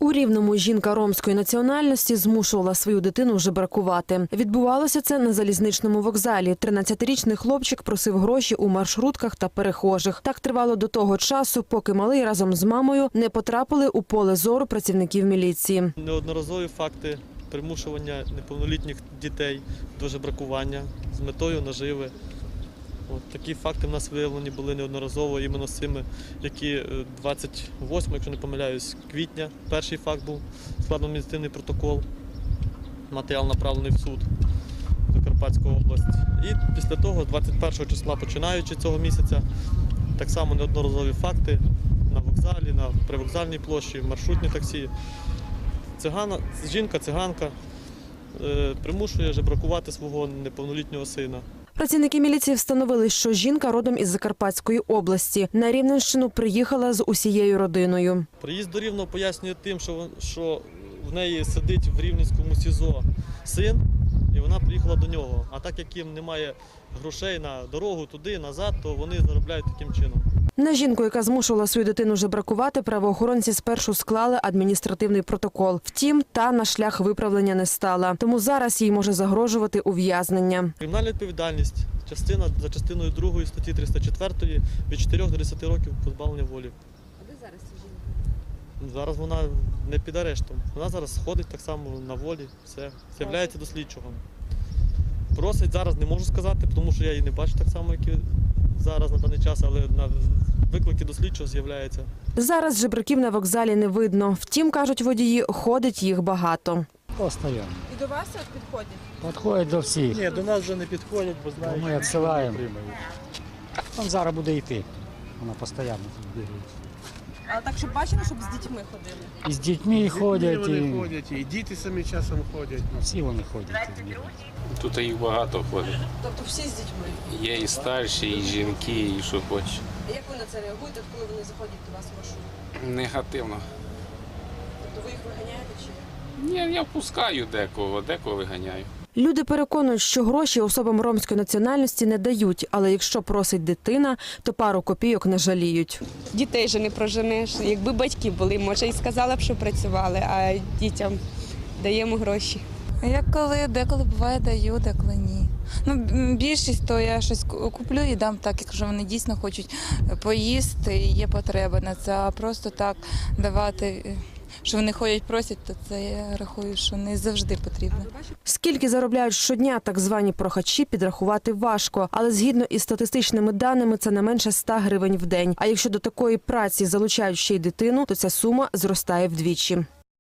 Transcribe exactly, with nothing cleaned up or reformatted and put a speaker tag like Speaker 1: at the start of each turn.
Speaker 1: У Рівному жінка ромської національності змушувала свою дитину жебракувати. Відбувалося це на залізничному вокзалі. тринадцятирічний хлопчик просив гроші у маршрутках та перехожих. Так тривало до того часу, поки малий разом з мамою не потрапили у поле зору працівників міліції.
Speaker 2: Неодноразові факти примушування неповнолітніх дітей до жебракування з метою наживи. От такі факти в нас виявлені були неодноразово іменно з цими, які двадцять восьмого, якщо не помиляюсь, квітня, перший факт був, складно адміністративний протокол, матеріал направлений в суд Закарпатської області. І після того, двадцять першого числа, починаючи цього місяця, так само неодноразові факти на вокзалі, на привокзальній площі, маршрутні таксі. Цигана, жінка, циганка е, примушує жебракувати свого неповнолітнього сина.
Speaker 1: Працівники міліції встановили, що жінка родом із Закарпатської області. На Рівненщину приїхала з усією родиною.
Speaker 2: Приїзд до Рівного пояснює тим, що, що в неї сидить в Рівненському СІЗО син, і вона приїхала до нього. А так як їм немає грошей на дорогу туди, назад, то вони заробляють таким чином.
Speaker 1: На жінку, яка змушувала свою дитину жебракувати, правоохоронці спершу склали адміністративний протокол. Втім, та на шлях виправлення не стала. Тому зараз їй може загрожувати ув'язнення.
Speaker 2: Кримінальна відповідальність частина, за частиною другої статті триста четвертої від чотирьох до десяти років позбавлення волі.
Speaker 3: А де зараз ця жінка?
Speaker 2: Зараз вона не під арештом. Вона зараз ходить так само на волі, все, з'являється до слідчого. Просить зараз, не можу сказати, тому що я її не бачу так само, як і зараз на даний час, але на виклики до слідчого з'являється.
Speaker 1: Зараз жебраків на вокзалі не видно. Втім, кажуть водії, ходить їх багато.
Speaker 4: Постоянно.
Speaker 3: І до вас от підходять?
Speaker 4: Підходять до всіх.
Speaker 2: Ні, до нас вже не підходять, бо знають,
Speaker 4: Ми відсилаємо. Він зараз буде йти. Вона постійно тут бігає.
Speaker 3: А так, щоб бачили, щоб з дітьми ходили?
Speaker 4: І з дітьми ходять,
Speaker 5: Вони
Speaker 4: і
Speaker 5: ходять, і діти самі часом ходять.
Speaker 4: всі вони ходять.
Speaker 6: Тут їх багато ходить.
Speaker 3: Тобто всі з дітьми?
Speaker 6: Є і старші, і жінки, і що хочеш.
Speaker 3: А як ви на це реагуєте, коли вони заходять до вас в маршрут?
Speaker 6: Негативно.
Speaker 3: Тобто ви їх виганяєте чи як?
Speaker 6: Ні, я пускаю декого, декого виганяю.
Speaker 1: Люди переконують, що гроші особам ромської національності не дають, але якщо просить дитина, то пару копійок не жаліють.
Speaker 7: Дітей же не проженеш. Якби батьки були, може і сказала б, що працювали, а дітям даємо гроші.
Speaker 8: Я коли деколи буває даю, деколи ні. Ну, більшість то я щось куплю і дам так, якщо вони дійсно хочуть поїсти і є потреба на це, а просто так давати, що вони ходять, просять, то це я рахую, що не завжди потрібно.
Speaker 1: Скільки заробляють щодня так звані прохачі, підрахувати важко. Але згідно із статистичними даними, це не менше ста гривень в день. А якщо до такої праці залучають ще й дитину, то ця сума зростає вдвічі.